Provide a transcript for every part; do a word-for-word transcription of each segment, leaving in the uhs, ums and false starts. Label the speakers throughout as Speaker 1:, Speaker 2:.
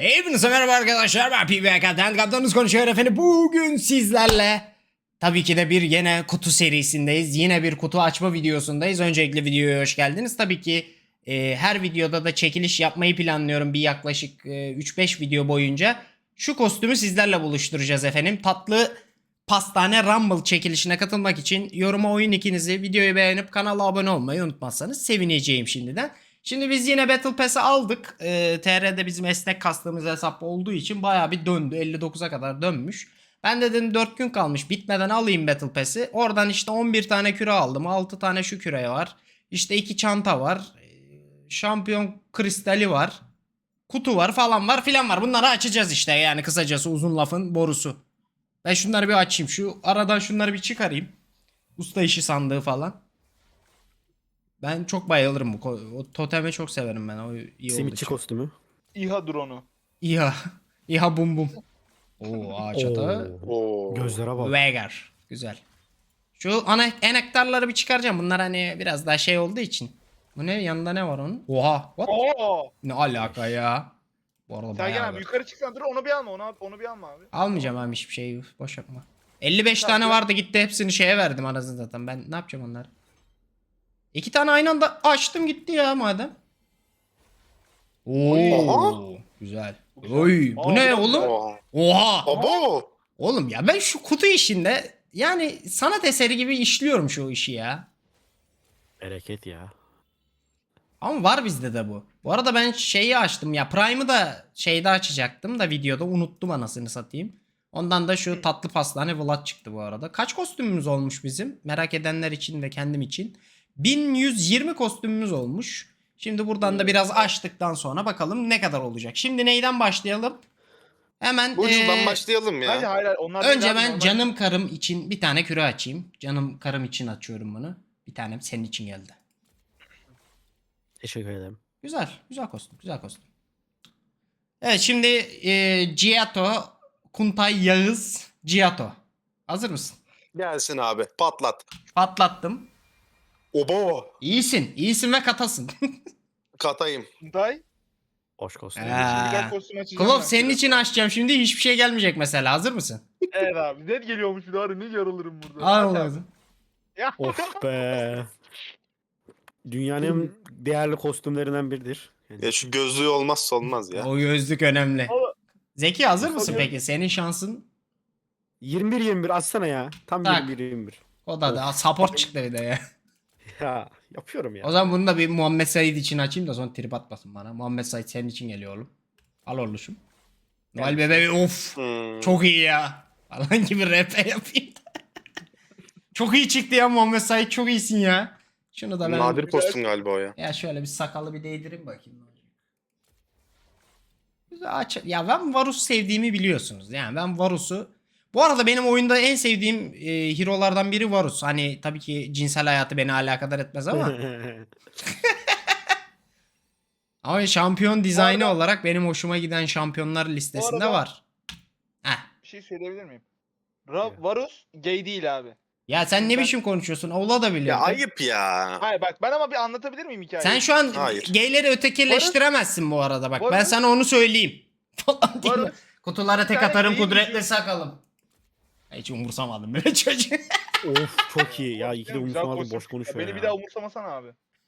Speaker 1: Hepinize merhaba arkadaşlar, ben P B K'den kaptanınız konuşuyor efendim. Bugün sizlerle tabii ki de bir yine kutu serisindeyiz. Yine bir kutu açma videosundayız. Öncelikle videoya hoş geldiniz. Tabii ki e, her videoda da çekiliş yapmayı planlıyorum bir yaklaşık e, üç beş video boyunca. Şu kostümü sizlerle buluşturacağız efendim. Tatlı pastane Rumble çekilişine katılmak için yoruma oyun ikinizi, videoyu beğenip kanala abone olmayı unutmazsanız sevineceğim şimdiden. Şimdi biz yine Battle Pass'i aldık. Ee, T R'de bizim esnek kastığımız hesap olduğu için bayağı bir döndü. elli dokuza kadar dönmüş. Ben de dedim dört gün kalmış, bitmeden alayım Battle Pass'i. Oradan işte on bir tane küre aldım. altı tane şu küre var. İşte iki çanta var. Ee, Şampiyon kristali var. Kutu var falan var filan var. Bunları açacağız işte, yani kısacası uzun lafın borusu. Ben şunları bir açayım. Şu aradan şunları bir çıkarayım. Usta işi sandığı falan. Ben çok bayılırım bu. ko- O totemi çok severim ben. O iyi oldu.
Speaker 2: Simitçi
Speaker 1: için.
Speaker 2: kostümü.
Speaker 3: İHA drone'u.
Speaker 1: İHA. İHA bum bum. Oo, ağaç ata.
Speaker 2: Oo. Gözlere bak.
Speaker 1: Vegar. Güzel. Şu ana enektarları bir çıkaracağım. Bunlar hani biraz daha şey olduğu için. Bu ne? Yanında ne var onun? Oha. What?
Speaker 3: Oo!
Speaker 1: Ne alaka ya? Bu arada
Speaker 3: Sergen
Speaker 1: bayağı
Speaker 3: abi
Speaker 1: var.
Speaker 3: yukarı çıksan dur onu bir alma onu, onu bir alma abi.
Speaker 1: Almayacağım abi hiçbir şey. Boş yapma. elli beş
Speaker 3: Tamam,
Speaker 1: tane
Speaker 3: ya.
Speaker 1: vardı, gitti hepsini şeye verdim anasını zaten. Ben ne yapacağım onları? İki tane aynı anda açtım gitti ya madem. Oo, güzel.
Speaker 3: Güzel.
Speaker 1: Oy, bu
Speaker 3: Aa,
Speaker 1: ne
Speaker 3: bu da
Speaker 1: oğlum?
Speaker 3: güzel.
Speaker 4: Oha.
Speaker 1: Oha.
Speaker 4: Abo.
Speaker 1: Oğlum ya ben şu kutu işinde yani sanat eseri gibi işliyorum şu işi ya.
Speaker 2: Bereket ya.
Speaker 1: Ama var bizde de bu. Bu arada ben şeyi açtım ya, Prime'ı da şeyde açacaktım da videoda unuttum anasını satayım. Ondan da şu tatlı pastane Vlad çıktı bu arada. Kaç kostümümüz olmuş bizim? Merak edenler için ve kendim için. bin yüz yirmi kostümümüz olmuş. Şimdi buradan da biraz açtıktan sonra bakalım ne kadar olacak. Şimdi neyden başlayalım? Hemen
Speaker 4: Bu ucundan
Speaker 1: ee,
Speaker 4: başlayalım ya.
Speaker 3: Hayır hayır hayır, onlar değil
Speaker 1: önce
Speaker 3: abi,
Speaker 1: ben
Speaker 3: normal.
Speaker 1: canım karım için bir tane küre açayım. Canım karım için açıyorum bunu. Bir tanem senin için geldi.
Speaker 2: Teşekkür ederim.
Speaker 1: Güzel. Güzel kostüm. Güzel kostüm. Evet şimdi e, Giotto, Kuntay Yağız, Giotto. Hazır mısın?
Speaker 4: Gelsin abi. Patlat.
Speaker 1: Patlattım.
Speaker 4: Obo.
Speaker 1: İyisin. İyisin ve katasın.
Speaker 4: Katayım.
Speaker 3: Day.
Speaker 2: Hoş kostüm.
Speaker 1: Ee,
Speaker 3: Güzel kostüm açacağım.
Speaker 1: Klov
Speaker 3: ben.
Speaker 1: senin için açacağım şimdi, hiçbir şey gelmeyecek mesela. Hazır mısın?
Speaker 3: Evet abi net geliyormuş bir daha ne yarılırım burada.
Speaker 1: Al
Speaker 3: Aç abi.
Speaker 1: lazım.
Speaker 3: Ya.
Speaker 2: Of be. Dünyanın en değerli kostümlerinden biridir. Yani
Speaker 4: Ya şu gözlüğü olmazsa olmaz ya.
Speaker 1: O gözlük önemli.
Speaker 3: O-
Speaker 1: Zeki hazır mısın
Speaker 3: Tabii.
Speaker 1: peki? Senin şansın
Speaker 2: yirmi bir yirmi bir açsana ya. Tam
Speaker 1: Tak.
Speaker 2: yirmi bir yirmi bir.
Speaker 1: o da da support çıktı bir de ya.
Speaker 2: Ya yapıyorum ya.
Speaker 1: O zaman bunu da bir Muhammed Said için açayım da sonra trip atmasın bana. Muhammed Said senin için geliyor oğlum. Al oğlum. Noel bebeği of.
Speaker 4: Hmm.
Speaker 1: Çok iyi ya. Falan gibi rap yapayım. Çok iyi çıktı ya Muhammed Said, çok iyisin ya. Şunu da ben
Speaker 4: Nadir kostüm galiba o ya.
Speaker 1: ya şöyle bir sakalı bir değdireyim bakayım. Güzel aç. Ya ben Varus'u sevdiğimi biliyorsunuz. Yani ben Varus'u, bu arada benim oyunda en sevdiğim e, hero'lardan biri Varus. Hani tabii ki cinsel hayatı beni alakadar etmez ama ama şampiyon dizaynı
Speaker 3: arada-
Speaker 1: olarak benim hoşuma giden şampiyonlar listesinde
Speaker 3: arada-
Speaker 1: var. Heh.
Speaker 3: Bir şey söyleyebilir miyim? Ra Varus gay değil abi.
Speaker 1: Ya sen ne
Speaker 3: Ben-
Speaker 1: biçim konuşuyorsun? Ola da
Speaker 4: Ya
Speaker 1: biliyorum.
Speaker 4: ayıp ya.
Speaker 3: Hayır bak ben ama bir anlatabilir miyim hikayeyi?
Speaker 1: Sen şu an
Speaker 4: Hayır.
Speaker 1: gayleri ötekileştiremezsin bu arada bak. Ben
Speaker 3: Varus-
Speaker 1: sana onu söyleyeyim. Falan diye.
Speaker 3: Varus-
Speaker 1: Kutulara tek
Speaker 3: tane
Speaker 1: atarım,
Speaker 3: gay
Speaker 1: kudretli
Speaker 3: vücudu-
Speaker 1: sakalım. Hiç umursamadım böyle çocuğu.
Speaker 2: Of çok iyi ya. İki de
Speaker 3: Güzel
Speaker 2: umursamadım,
Speaker 3: kostüm.
Speaker 2: boş konuşuyor
Speaker 3: Beni
Speaker 2: ya.
Speaker 3: bir daha umursamasana abi.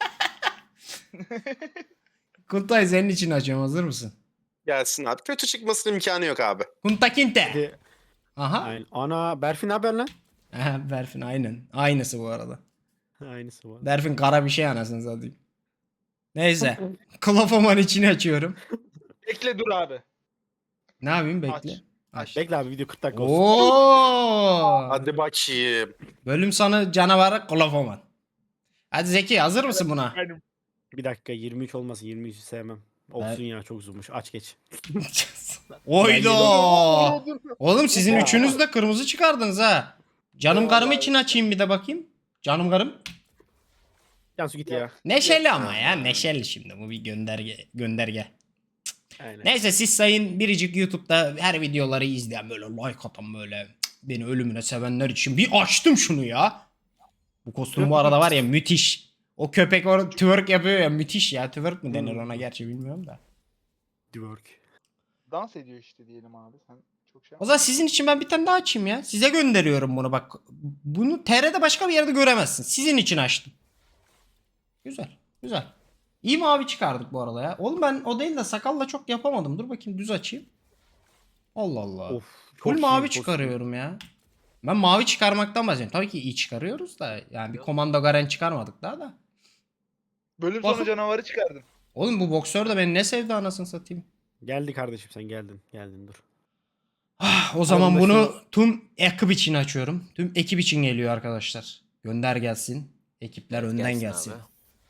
Speaker 1: Kuntay senin için açıyorum, hazır mısın?
Speaker 4: Gelsin abi. Kötü çıkmasının imkanı yok abi.
Speaker 1: Kuntakinte.
Speaker 2: Hadi.
Speaker 1: Aha.
Speaker 2: Aynen. Ana Berfin haber lan.
Speaker 1: Aha, Berfin aynen. Aynısı bu arada.
Speaker 2: Aynısı var.
Speaker 1: Berfin kara bir şey anasını satayım. Neyse. Klofoman için açıyorum.
Speaker 3: Bekle dur abi.
Speaker 1: Ne yapayım, bekle.
Speaker 3: Aç.
Speaker 1: Aç.
Speaker 2: Bekle abi, video kırk dakika olsun.
Speaker 1: Oo.
Speaker 4: Hadi bakayım.
Speaker 1: Bölüm sonu canavarı Klofoman. Hadi Zeki, hazır mısın buna?
Speaker 3: Benim.
Speaker 2: Bir dakika, yirmi üç olmasın, yirmi üçü sevmem. Olsun ya, çok uzunmuş. Aç geç.
Speaker 1: Oydo. Oğlum sizin
Speaker 2: Ya.
Speaker 1: üçünüz de kırmızı çıkardınız ha. Canım
Speaker 3: Eyvallah
Speaker 1: karım
Speaker 3: abi.
Speaker 1: için açayım bir de bakayım. Canım karım.
Speaker 2: Cansu git ya.
Speaker 1: Neşeli ama ya, neşeli şimdi bu bir gönderge gönderge.
Speaker 2: Aynen.
Speaker 1: Neyse siz sayın biricik YouTube'da her videoları izleyen, böyle like atan, böyle beni ölümüne sevenler için bir açtım şunu ya. Bu kostüm bu arada var ya müthiş. O köpek orada twerk yapıyor ya, müthiş ya. Twerk mü denir ona, gerçi bilmiyorum da.
Speaker 2: Work.
Speaker 3: dans ediyor işte diyelim abi. Sen çok şey
Speaker 1: O zaman sizin için ben bir tane daha açayım ya. Size gönderiyorum bunu bak. Bunu T R'de başka bir yerde göremezsin. Sizin için açtım. Güzel. Güzel. İyi mavi çıkardık bu arada ya. Oğlum ben o değil de sakalla çok yapamadım. Dur bakayım düz açayım. Allah Allah.
Speaker 2: Of.
Speaker 1: Full
Speaker 2: çok iyi
Speaker 1: mavi
Speaker 2: kostüm.
Speaker 1: çıkarıyorum ya. Ben mavi çıkarmaktan bahsediyorum. Tabii ki iyi çıkarıyoruz da. Yani bir komando garen çıkarmadık daha da.
Speaker 3: Bölüm
Speaker 1: Bakın-
Speaker 3: sonu canavarı çıkardın.
Speaker 1: Oğlum bu boksör de beni ne sevdi anasını satayım.
Speaker 2: Geldi kardeşim sen geldin. Geldin dur.
Speaker 1: Ah, o zaman
Speaker 2: Alın
Speaker 1: bunu
Speaker 2: başını.
Speaker 1: tüm ekip için açıyorum. Tüm ekip için geliyor arkadaşlar. Gönder gelsin. Ekipler önden gelsin.
Speaker 5: abi.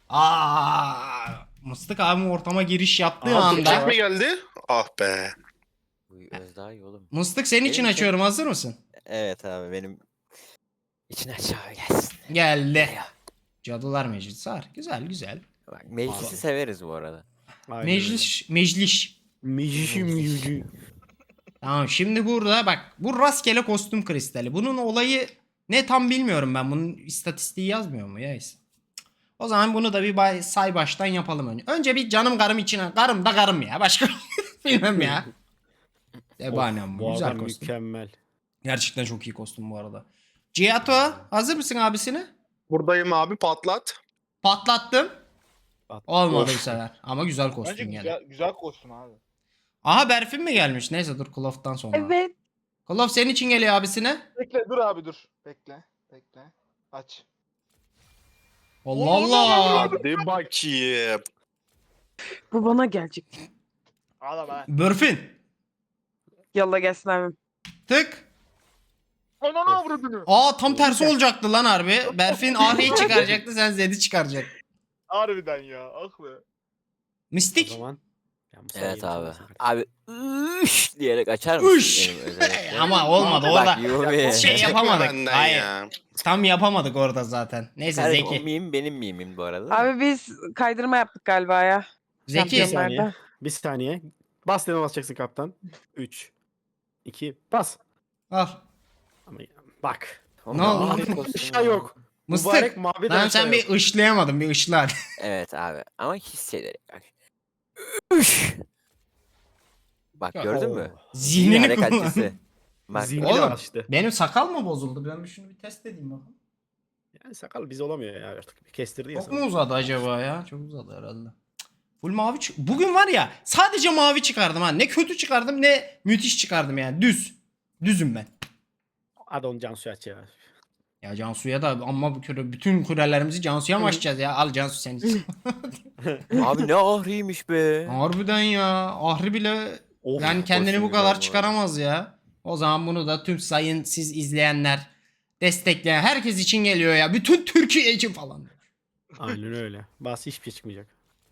Speaker 1: Aa, Mıstık abim ortama giriş yaptığı
Speaker 2: Aa,
Speaker 1: anda.
Speaker 4: Çek mi geldi? Ah be.
Speaker 5: Bu öz daha iyi oğlum.
Speaker 1: Mıstık senin için
Speaker 5: Benim için-
Speaker 1: açıyorum. Hazır mısın?
Speaker 5: Evet abi benim için aşağı gelsin.
Speaker 1: Geldi.
Speaker 5: Ya.
Speaker 1: Cadılar Meclisi var. Güzel güzel.
Speaker 5: Bak, meclisi severiz bu arada.
Speaker 2: Aynen
Speaker 1: Meclis meclis.
Speaker 2: öyle. Meclisi meclisi.
Speaker 1: Tamam şimdi burada bak bu rastgele kostüm kristali. Bunun olayı ne tam bilmiyorum ben. Bunun istatistiği yazmıyor mu ya? O zaman bunu da bir bay- say baştan yapalım önce. Önce bir canım karım içine. Karım da karım ya. Başka bilmem ya. Ebanem
Speaker 2: Bu
Speaker 1: güzel
Speaker 2: adam
Speaker 1: kostüm.
Speaker 2: mükemmel.
Speaker 1: Gerçekten çok iyi kostüm bu arada. Giato hazır mısın abisini?
Speaker 4: Buradayım abi patlat.
Speaker 1: Patlattım.
Speaker 2: Pat-
Speaker 1: Olmadı
Speaker 4: Of.
Speaker 1: bu sefer. Ama güzel
Speaker 3: Bence
Speaker 1: kostüm gene.
Speaker 3: güzel, güzel kostüm abi.
Speaker 1: Aha Berfin mi gelmiş? Neyse dur Kloff'tan sonra.
Speaker 6: Evet.
Speaker 1: Kloff senin için geliyor abisine.
Speaker 3: Bekle dur abi dur. Bekle. Bekle. Aç.
Speaker 1: Allah Allah.
Speaker 4: Hadi bakayım.
Speaker 6: Bu bana gelecek.
Speaker 3: Ağla be.
Speaker 1: Berfin.
Speaker 6: Yalla gelsin abim.
Speaker 1: Tık.
Speaker 3: Ananı avradını.
Speaker 1: Aa tam tersi olacaktı lan harbi. Berfin Ahri'yi çıkaracaktı sen Zed'i çıkaracaktın.
Speaker 3: Harbiden ya. Ah be.
Speaker 2: O
Speaker 1: Mistik.
Speaker 2: zaman. Ya Musa
Speaker 5: Evet
Speaker 2: yeni
Speaker 5: abi.
Speaker 2: çalışsın.
Speaker 5: Abi üş diyerek açar mısın
Speaker 1: Üş.
Speaker 5: benim özellikle?
Speaker 1: Ama olmadı o da.
Speaker 5: Bak Yumi.
Speaker 1: Şey
Speaker 4: Çekme
Speaker 1: yapamadık.
Speaker 4: benden
Speaker 1: Hayır.
Speaker 4: ya.
Speaker 1: Tam yapamadık orada zaten. Neyse
Speaker 5: Kardeşim, o
Speaker 1: Zeki.
Speaker 5: meme benim meme'im bu arada.
Speaker 6: Abi biz kaydırma yaptık galiba ya.
Speaker 1: Zeki.
Speaker 2: Bir saniye.
Speaker 6: Şampiyonlarda.
Speaker 2: Bir saniye. Bas deme basacaksın kaptan. üç. iki. Bas.
Speaker 1: Al.
Speaker 2: Ama ya, bak.
Speaker 5: Oğlum,
Speaker 1: Ne oldu?
Speaker 5: mavi
Speaker 2: Bir
Speaker 5: kostüm
Speaker 2: şey
Speaker 5: ya.
Speaker 2: yok.
Speaker 1: Mıstık.
Speaker 2: Mübarek mavi
Speaker 1: Lan
Speaker 2: de
Speaker 1: sen
Speaker 2: şey
Speaker 1: bir
Speaker 2: yok.
Speaker 1: ışlayamadın bir ışla hadi.
Speaker 5: Evet abi ama hissederek. Bak. Üş. Bak gördün mü?
Speaker 2: Oo.
Speaker 1: Zihnini
Speaker 5: Zihnini
Speaker 1: kullan.
Speaker 5: kalitesi. Bak,
Speaker 2: Zihni
Speaker 1: Oğlum.
Speaker 2: açtı.
Speaker 1: Benim sakal mı bozuldu? Ben bir şunu bir test edeyim bakalım.
Speaker 2: Yani sakal biz olamıyor ya artık. Bir kestirdi ya
Speaker 1: Çok
Speaker 2: sana.
Speaker 1: mu uzadı acaba ya? Çok uzadı herhalde. Cık. Full mavi çık. Bugün var ya sadece mavi çıkardım ha. Ne kötü çıkardım ne müthiş çıkardım yani. Düz. Düzüm ben.
Speaker 2: Hadi onu Cansu aç ya.
Speaker 1: Ya Cansu'ya da ama bu küre, bütün kulelerimizi Cansu'ya mı açacağız ya? Al Cansu sen için.
Speaker 5: Abi ne ahriymiş be.
Speaker 1: Harbiden ya. Ahri bile
Speaker 2: Of.
Speaker 1: yani kendini
Speaker 5: kostüm
Speaker 1: bu
Speaker 5: güzel bu
Speaker 1: kadar
Speaker 5: arada.
Speaker 1: çıkaramaz ya. O zaman bunu da tüm sayın siz izleyenler, destekleyen herkes için geliyor ya. Bütün Türkiye için falan.
Speaker 2: Aynen öyle. Bas hiçbir şey çıkmayacak.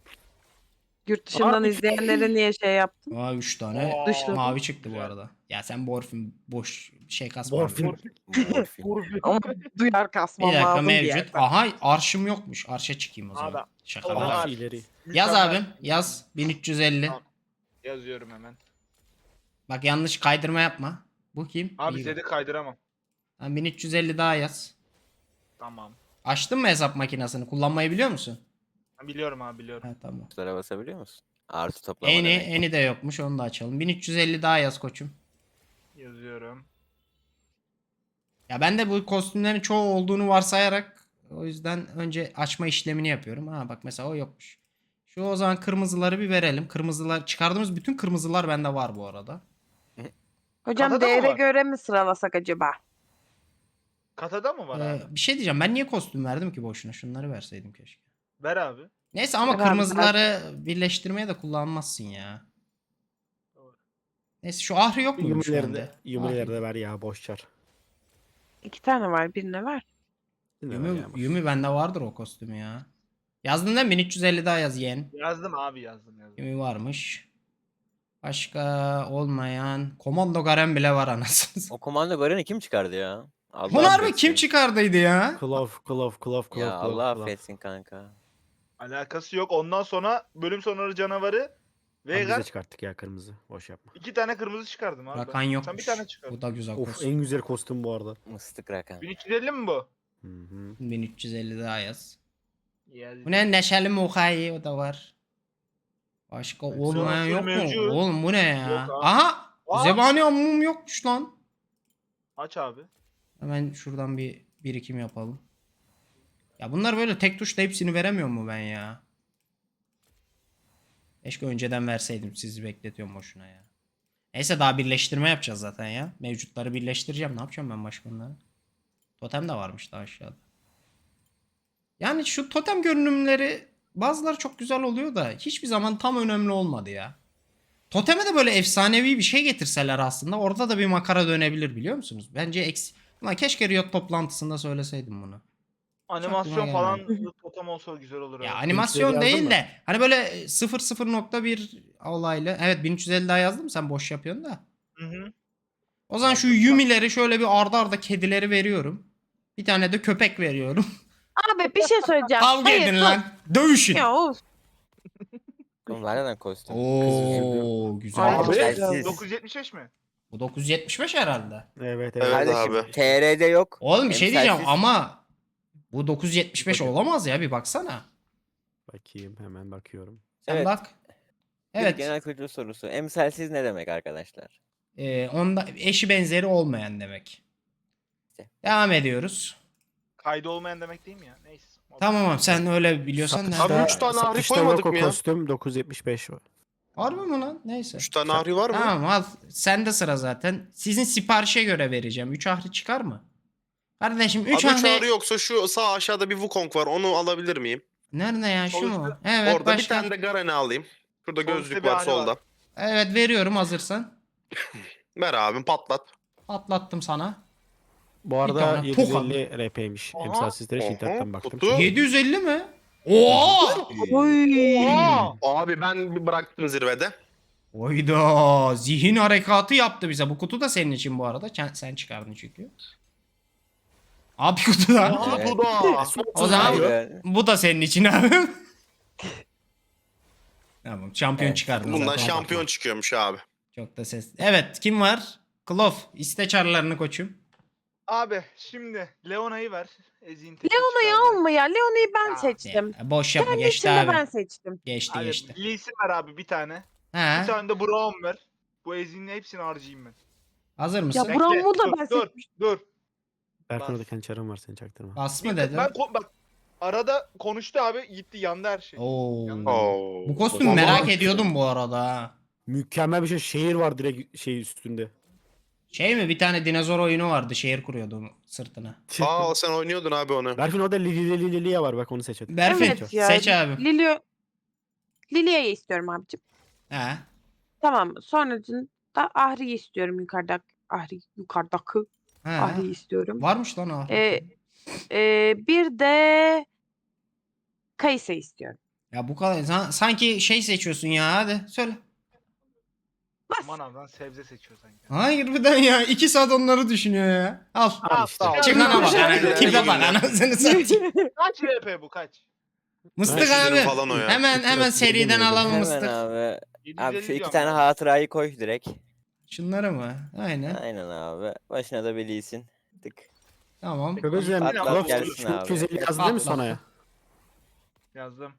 Speaker 6: Yurt dışından
Speaker 2: Abi.
Speaker 6: izleyenlere niye şey yaptın?
Speaker 1: Aa üç tane
Speaker 3: Aa,
Speaker 6: Dışlı.
Speaker 1: mavi çıktı bu
Speaker 3: güzel.
Speaker 1: arada. Ya sen Borfin boş şey kasma.
Speaker 2: Morfin.
Speaker 5: Morfin.
Speaker 6: Ama duyar
Speaker 1: Bir
Speaker 6: kasmam
Speaker 1: dakika
Speaker 6: lazım diye.
Speaker 1: mevcut. Aha arşım yokmuş. Arşa çıkayım o zaman.
Speaker 3: Abi,
Speaker 1: Şaka
Speaker 3: o
Speaker 1: bak.
Speaker 3: zaman-
Speaker 2: Aha ileri.
Speaker 1: Yaz
Speaker 3: Mükemmel.
Speaker 1: abim. Yaz. bin üç yüz elli.
Speaker 3: Tamam. Yazıyorum hemen.
Speaker 1: Bak yanlış kaydırma yapma. Bu kim?
Speaker 3: Abi
Speaker 1: İyi.
Speaker 3: Zed'i kaydıramam.
Speaker 1: Tamam, bin üç yüz elli daha yaz.
Speaker 3: Tamam.
Speaker 1: Açtın mı hesap makinesini? Kullanmayı biliyor musun?
Speaker 3: Ben biliyorum abi biliyorum.
Speaker 1: Ha tamam.
Speaker 5: Tuşlara basabiliyor musun? Artı toplama
Speaker 1: Eni,
Speaker 5: demek.
Speaker 1: eni de yokmuş onu da açalım. bin üç yüz elli daha yaz koçum.
Speaker 3: Yazıyorum.
Speaker 1: Ya ben de bu kostümlerin çoğu olduğunu varsayarak o yüzden önce açma işlemini yapıyorum. Ha bak mesela o yokmuş. Şu o zaman kırmızıları bir verelim. Kırmızılar çıkardığımız bütün kırmızılar bende var bu arada.
Speaker 6: Hocam
Speaker 3: Katada mı
Speaker 6: değere
Speaker 3: var?
Speaker 6: göre mi sıralasak acaba?
Speaker 3: Katada mı var
Speaker 1: Ee,
Speaker 3: abi?
Speaker 1: bir şey diyeceğim. Ben niye kostüm verdim ki boşuna? Şunları verseydim keşke.
Speaker 3: Ver abi.
Speaker 1: Neyse ama
Speaker 6: Ver abi,
Speaker 1: kırmızıları birleştirmeye de kullanmazsın ya. Neyse şu ahri yok muymuş
Speaker 2: Yumileri
Speaker 1: bende?
Speaker 2: de, yumileri de ver ya boş çar.
Speaker 6: İki tane var. Birine ver.
Speaker 2: Yine ver
Speaker 1: Yumi,
Speaker 2: ya, boş.
Speaker 1: Yumi bende vardır o kostümü ya. Yazdın değil mi? bin üç yüz elli daha yaz yeğen.
Speaker 3: Yazdım abi yazdım yazdım.
Speaker 1: Yumi varmış. Başka olmayan. Komando Garen bile var anasını.
Speaker 5: O komando Garen'i kim çıkardı ya? Allah
Speaker 1: Bunu harbi
Speaker 5: affetsin.
Speaker 1: kim çıkardıydı ya?
Speaker 2: Klov, klov, klov, klov,
Speaker 5: Ya
Speaker 2: klov,
Speaker 5: Allah
Speaker 2: klov.
Speaker 5: affetsin kanka.
Speaker 3: Alakası yok. Ondan sonra bölüm sonları canavarı
Speaker 2: Abi Biz
Speaker 3: Veigar
Speaker 2: de çıkarttık ya kırmızı. Boş yapma.
Speaker 3: iki tane kırmızı çıkardım abi.
Speaker 1: Rakan
Speaker 3: ben.
Speaker 1: yok.
Speaker 3: Sen bir tane çıkardın.
Speaker 1: Bu da güzel
Speaker 2: Of
Speaker 1: kostüm.
Speaker 2: en güzel kostüm bu arada.
Speaker 5: Mıstık rakan.
Speaker 3: bin üç yüz elli mi bu?
Speaker 2: Hı hı.
Speaker 1: bin üç yüz elli daha yaz.
Speaker 3: Yazdım.
Speaker 1: Bu ne? Neşeli Mukayi o da var. Başka
Speaker 2: Hepsi
Speaker 1: olmayan yok mu?
Speaker 3: mevcut.
Speaker 1: Oğlum bu ne ya?
Speaker 3: Yok abi.
Speaker 1: Aha!
Speaker 3: Aa!
Speaker 1: Zebani ammum yokmuş lan.
Speaker 3: Aç abi.
Speaker 1: Hemen şuradan bir birikim yapalım. Ya bunlar böyle tek tuşla hepsini veremiyor mu ben ya? Keşke önceden verseydim, sizi bekletiyorum boşuna ya. Neyse daha birleştirme yapacağız zaten ya. Mevcutları birleştireceğim. Ne yapacağım ben başka bunları? Totem de varmış daha aşağıda. Yani şu totem görünümleri bazıları çok güzel oluyor da hiçbir zaman tam önemli olmadı ya. Toteme de böyle efsanevi bir şey getirseler aslında orada da bir makara dönebilir, biliyor musunuz? Bence eks... Ulan keşke Riot toplantısında söyleseydim bunu.
Speaker 3: Animasyon
Speaker 1: aklıma
Speaker 3: falan
Speaker 1: gelmedi.
Speaker 3: totem olsa güzel olur.
Speaker 1: Ya
Speaker 3: evet.
Speaker 1: animasyon
Speaker 2: yazdın
Speaker 1: değil
Speaker 2: mı?
Speaker 1: de hani böyle sıfır sıfır nokta bir olaylı. Evet bin üç yüz elli daha yazdım, sen boş yapıyorsun da.
Speaker 3: Hı hı.
Speaker 1: O zaman şu
Speaker 3: Yazdım, bak.
Speaker 1: Yumi'leri şöyle bir arda arda kedileri veriyorum. Bir tane de köpek veriyorum.
Speaker 6: Abi bir şey söyleyeceğim.
Speaker 1: Kavga
Speaker 6: Hayır,
Speaker 1: edin
Speaker 6: dur.
Speaker 1: lan. Dövüşün.
Speaker 6: Ya of.
Speaker 5: Oğlum var neden kostüm?
Speaker 1: Oo güzel.
Speaker 6: Ay,
Speaker 3: Abi,
Speaker 6: çok
Speaker 5: Telsiz.
Speaker 6: güzel.
Speaker 3: dokuz yüz yetmiş beş mi?
Speaker 1: Bu dokuz yüz yetmiş beş herhalde.
Speaker 2: Evet evet.
Speaker 4: Evet
Speaker 5: Kardeşim
Speaker 4: abi.
Speaker 5: T R'de yok.
Speaker 1: Oğlum bir şey diyeceğim
Speaker 5: Emsalsiz.
Speaker 1: ama bu dokuz yüz yetmiş beş
Speaker 2: Bakın.
Speaker 1: olamaz ya, bir baksana.
Speaker 2: Bakayım hemen bakıyorum.
Speaker 1: Sen
Speaker 5: Evet.
Speaker 1: bak.
Speaker 5: Bir
Speaker 1: Evet.
Speaker 5: genel kültür sorusu. Emsalsiz ne demek arkadaşlar?
Speaker 1: E, onda eşi benzeri olmayan demek.
Speaker 5: İşte.
Speaker 1: Devam ediyoruz.
Speaker 3: Kaydı olmayan demek değil mi ya? Neyse.
Speaker 1: Tamam abi, sen öyle biliyorsan
Speaker 2: Satışta,
Speaker 1: ne?
Speaker 4: Abi üç tane ahri
Speaker 2: satışta
Speaker 4: koymadık
Speaker 2: Loco
Speaker 4: mı ya?
Speaker 2: kostüm dokuz yüz yetmiş beş var.
Speaker 1: Harbi mi lan? Neyse.
Speaker 4: Üç tane ahri var mı?
Speaker 1: Tamam al. Sende sıra zaten. Sizin siparişe göre vereceğim. üç ahri çıkar mı? Kardeşim üç
Speaker 4: Abi üç ahri
Speaker 1: ahri...
Speaker 4: yoksa şu sağ aşağıda bir Wukong var. Onu alabilir miyim?
Speaker 1: Nerede ya, şu mu?
Speaker 3: Sonuçta
Speaker 1: Evet
Speaker 4: Orada
Speaker 1: başka.
Speaker 4: bir tane de Garen'i alayım. Şurada
Speaker 3: Sonuçta
Speaker 4: gözlük
Speaker 3: bir
Speaker 4: var
Speaker 3: ahri
Speaker 4: solda.
Speaker 3: var.
Speaker 1: Evet veriyorum hazırsan.
Speaker 4: Ver abim patlat.
Speaker 1: Atlattım sana.
Speaker 2: Bu
Speaker 1: tane
Speaker 2: arada
Speaker 1: toka.
Speaker 2: yedi yüz elli R P'ymiş.
Speaker 3: Aha.
Speaker 2: Emsalsizlere
Speaker 4: Oha,
Speaker 2: internetten baktım.
Speaker 4: kutu.
Speaker 1: yedi yüz elli mi? Oo!
Speaker 6: Oy.
Speaker 3: Aa!
Speaker 4: Abi ben bir bıraktım zirvede.
Speaker 1: Oyda zihin harekatı yaptı bize. Bu kutu da senin için bu arada. Sen, sen çıkardın çünkü. Abi kutu da.
Speaker 4: Aa
Speaker 5: Evet.
Speaker 4: bu da.
Speaker 1: O zaman
Speaker 5: Hayır.
Speaker 1: bu da senin için abi. Tamam şampiyon
Speaker 5: Evet.
Speaker 1: çıkardın
Speaker 4: Bundan
Speaker 1: zaten.
Speaker 4: şampiyon çıkıyormuş abi.
Speaker 1: Çok da ses. Evet kim var? Klof. İste çarlarını koçum.
Speaker 3: Abi şimdi Leona'yı ver. Ezin
Speaker 6: Leona'yı alma ya. Leona'yı ben
Speaker 3: Ya,
Speaker 6: seçtim.
Speaker 1: Ya, boş yapma,
Speaker 6: Kendi
Speaker 1: geçti
Speaker 6: içinde
Speaker 1: abi.
Speaker 6: ben seçtim.
Speaker 1: Geçti
Speaker 3: Hadi
Speaker 1: geçti.
Speaker 3: Lee'si ver abi bir tane. Bir
Speaker 1: Ha,
Speaker 3: tane de Braum ver. Bu Ezin'in hepsini harcayayım ben.
Speaker 1: hazır mısın?
Speaker 6: Ya Braum'u da
Speaker 3: dur,
Speaker 6: ben
Speaker 3: dur,
Speaker 6: seçmiştim.
Speaker 3: dur.
Speaker 2: Berfin
Speaker 3: Bas.
Speaker 2: orada kendi çarın var, seni çaktırma.
Speaker 1: Bas mı
Speaker 3: Bir-
Speaker 1: dedi?
Speaker 3: Ben ko- bak arada konuştu abi gitti yandı her şey.
Speaker 1: Oo.
Speaker 4: Oo.
Speaker 1: Bu kostüm
Speaker 4: Vallahi-
Speaker 1: merak ediyordum bu arada. ha.
Speaker 2: Mükemmel bir şey. Şehir var direkt şey üstünde.
Speaker 1: Şey mi, bir tane dinozor oyunu vardı, şehir kuruyordu onun sırtına.
Speaker 4: Aa sen oynuyordun abi onu.
Speaker 2: Berfin orada Lili Lili Lili'ye var, bak onu seç hadi.
Speaker 1: Berfin
Speaker 6: Evet ya.
Speaker 1: seç abi.
Speaker 6: Lilio... Lilia'yı istiyorum abicim.
Speaker 1: Ha.
Speaker 6: Tamam. Sonracında Ahri'yi istiyorum yukarıda. Ahri yukarıdaki
Speaker 1: Ha.
Speaker 6: Ahri'yi istiyorum.
Speaker 1: Varmış lan o.
Speaker 6: Ee, e, bir de Kayısı istiyorum.
Speaker 1: Ya bu kadar. San- sanki şey seçiyorsun ya, hadi söyle.
Speaker 6: Bas.
Speaker 3: Manavdan sebze seçiyor sanki.
Speaker 1: Hayır birden ya. iki saat onları düşünüyor ya. Al.
Speaker 2: Al işte.
Speaker 3: Al.
Speaker 1: Çıkana bak. ana-
Speaker 4: Güle
Speaker 1: Tipe
Speaker 4: güle.
Speaker 1: bak anasını satayım.
Speaker 3: Kaç R P bu kaç?
Speaker 1: Mıstık
Speaker 4: beş yüz
Speaker 1: abi.
Speaker 4: lira falan o ya.
Speaker 1: Hemen hemen seriden alalım
Speaker 5: Hemen
Speaker 1: mıstık.
Speaker 5: abi.
Speaker 3: yedi yüz
Speaker 5: Abi
Speaker 3: elli
Speaker 5: şu iki
Speaker 3: diyorum
Speaker 5: tane
Speaker 3: ben.
Speaker 5: hatırayı koy direkt.
Speaker 1: Şunları mı? Aynen.
Speaker 5: Aynen abi. Başına da biliysin. Tık.
Speaker 1: Tamam.
Speaker 2: Çok özür dilerim.
Speaker 3: Patlat
Speaker 2: Klof
Speaker 5: gelsin abi.
Speaker 2: iki yüz elli yazdı değil mi
Speaker 1: Patlat.
Speaker 2: sana ya?
Speaker 3: Yazdım.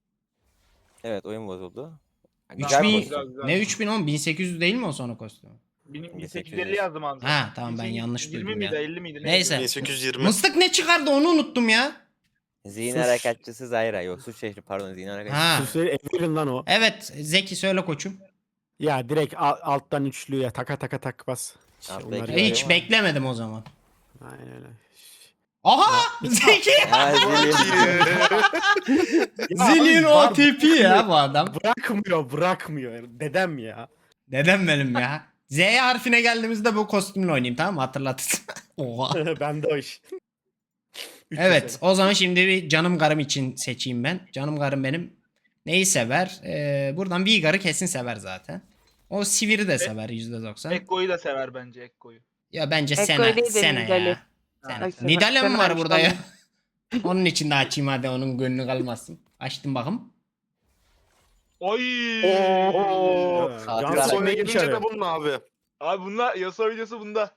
Speaker 5: Evet oyun bozuldu. Ha,
Speaker 1: üç
Speaker 5: Güzel
Speaker 1: bin
Speaker 5: bir
Speaker 3: güzel,
Speaker 5: kostüm.
Speaker 3: güzel.
Speaker 1: Ne üç bin on? bin sekiz yüz değil mi o sonra kostüm?
Speaker 3: Bin-
Speaker 5: bin
Speaker 3: bin sekiz yüz
Speaker 5: sekiz yüz.
Speaker 3: elli yazdım abi.
Speaker 1: Ha, tamam, ben yanlış
Speaker 3: yirmi
Speaker 1: duydum
Speaker 3: miydi
Speaker 1: ya.
Speaker 3: elli miydi?
Speaker 1: Neyse.
Speaker 4: bin sekiz yüz yirmi.
Speaker 1: Mıstık ne çıkardı onu unuttum ya.
Speaker 5: Zihin
Speaker 2: Sus.
Speaker 5: harekatçısı Zayra. Yok suç şehri pardon zihin harekatçısı.
Speaker 1: Ha.
Speaker 2: Süsleri Evelyn lan o.
Speaker 1: Evet Zeki söyle koçum.
Speaker 2: Ya direkt al- alttan üçlüye taka taka tak bas. İşte
Speaker 5: Alttaki
Speaker 2: onlar
Speaker 5: Evet,
Speaker 2: ya.
Speaker 1: Hiç
Speaker 5: ama-
Speaker 1: beklemedim o zaman.
Speaker 2: Aynen öyle.
Speaker 1: Aha! Zeki!
Speaker 5: Ha, Zillion.
Speaker 1: Zillion
Speaker 2: var-
Speaker 1: O T P ya bu adam.
Speaker 2: Bırakmıyor bırakmıyor. Dedem ya.
Speaker 1: Dedem benim ya. Z harfine geldiğimizde bu kostümle oynayayım, tamam mı? Hatırlat. Oha.
Speaker 2: Ben de o iş. Üç
Speaker 1: Evet
Speaker 2: yüz
Speaker 1: o zaman şimdi bir canım karım için seçeyim ben. Canım karım benim neyi sever? Ee, buradan Vigar'ı kesin sever zaten. O Sivir'i de sever yüzde doksan.
Speaker 3: Ekko'yu da sever bence Ekko'yu.
Speaker 1: Ya bence
Speaker 6: Ekko
Speaker 1: Sena,
Speaker 6: değil de
Speaker 1: Sena
Speaker 6: Nidali.
Speaker 1: ya. Sena.
Speaker 6: Ay, Sena-
Speaker 1: Nidale mi
Speaker 6: Sena
Speaker 1: var
Speaker 6: işte
Speaker 1: burada ya?
Speaker 6: anladım.
Speaker 1: Onun için de açayım hadi, onun gönlü kalmasın. Açtım bakım.
Speaker 3: Oy!
Speaker 4: Oo.
Speaker 5: Hatıra.
Speaker 2: Can
Speaker 4: Soyuna
Speaker 2: Soy'un
Speaker 4: gelince
Speaker 2: içeri.
Speaker 4: de bunun abi.
Speaker 3: Abi bunlar Yasuo videosu bunda.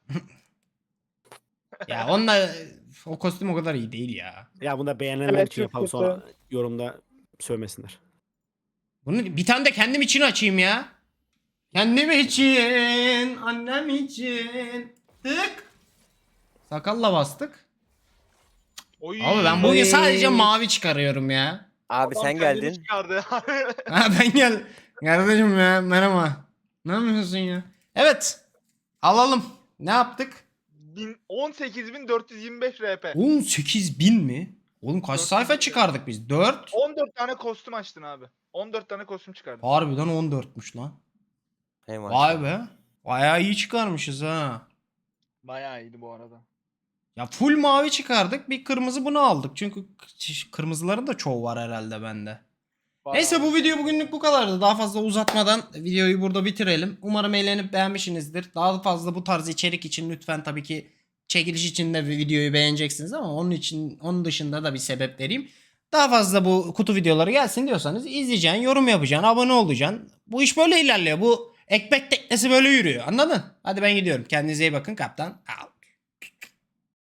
Speaker 1: Ya onunla o kostüm o kadar iyi değil ya.
Speaker 2: Ya bunda beğenenler
Speaker 6: Evet,
Speaker 2: için
Speaker 6: çok
Speaker 2: yapalım
Speaker 6: kötü.
Speaker 2: sonra yorumda sövmesinler.
Speaker 1: Bunu bir tane de kendim için açayım ya. Kendim için, annem için. Tık. Sakalla bastık.
Speaker 3: Oy.
Speaker 1: Abi ben bugün
Speaker 5: Oy.
Speaker 1: sadece mavi çıkarıyorum ya.
Speaker 5: Abi
Speaker 3: Adam
Speaker 5: sen
Speaker 3: kendini
Speaker 5: geldin.
Speaker 3: çıkardı.
Speaker 1: Ha ben gel. Kardeşim ya merhaba. Ne yapıyorsun ya? Evet. Alalım. Ne yaptık?
Speaker 3: Bin- on sekiz bin dört yüz yirmi beş R P.
Speaker 1: on sekiz bin mi? Oğlum kaç
Speaker 3: Dört yüz
Speaker 1: sayfa
Speaker 3: bin.
Speaker 1: çıkardık biz? dört.
Speaker 3: on dört tane kostüm açtın abi. on dört tane kostüm çıkardın.
Speaker 1: Harbiden on dörtmüş lan.
Speaker 5: Hey
Speaker 1: Vay
Speaker 5: maşallah.
Speaker 1: be. Bayağı iyi çıkarmışız ha.
Speaker 3: Bayağı iyiydi bu arada.
Speaker 1: Ya full mavi çıkardık. Bir kırmızı bunu aldık. Çünkü k- kırmızıların da çoğu var herhalde bende.
Speaker 3: Bayağı
Speaker 1: Neyse bu
Speaker 3: iyi.
Speaker 1: video bugünlük bu kadardı. Daha fazla uzatmadan videoyu burada bitirelim. Umarım eğlenip beğenmişsinizdir. Daha fazla bu tarz içerik için lütfen tabii ki çekiliş için de videoyu beğeneceksiniz ama onun için onun dışında da bir sebep vereyim. Daha fazla bu kutu videoları gelsin diyorsanız izleyeceksin, yorum yapacaksın, abone olacaksın. Bu iş böyle ilerliyor. Bu ekmek teknesi böyle yürüyor. Anladın? Hadi ben gidiyorum. Kendinize iyi bakın kaptan. Al.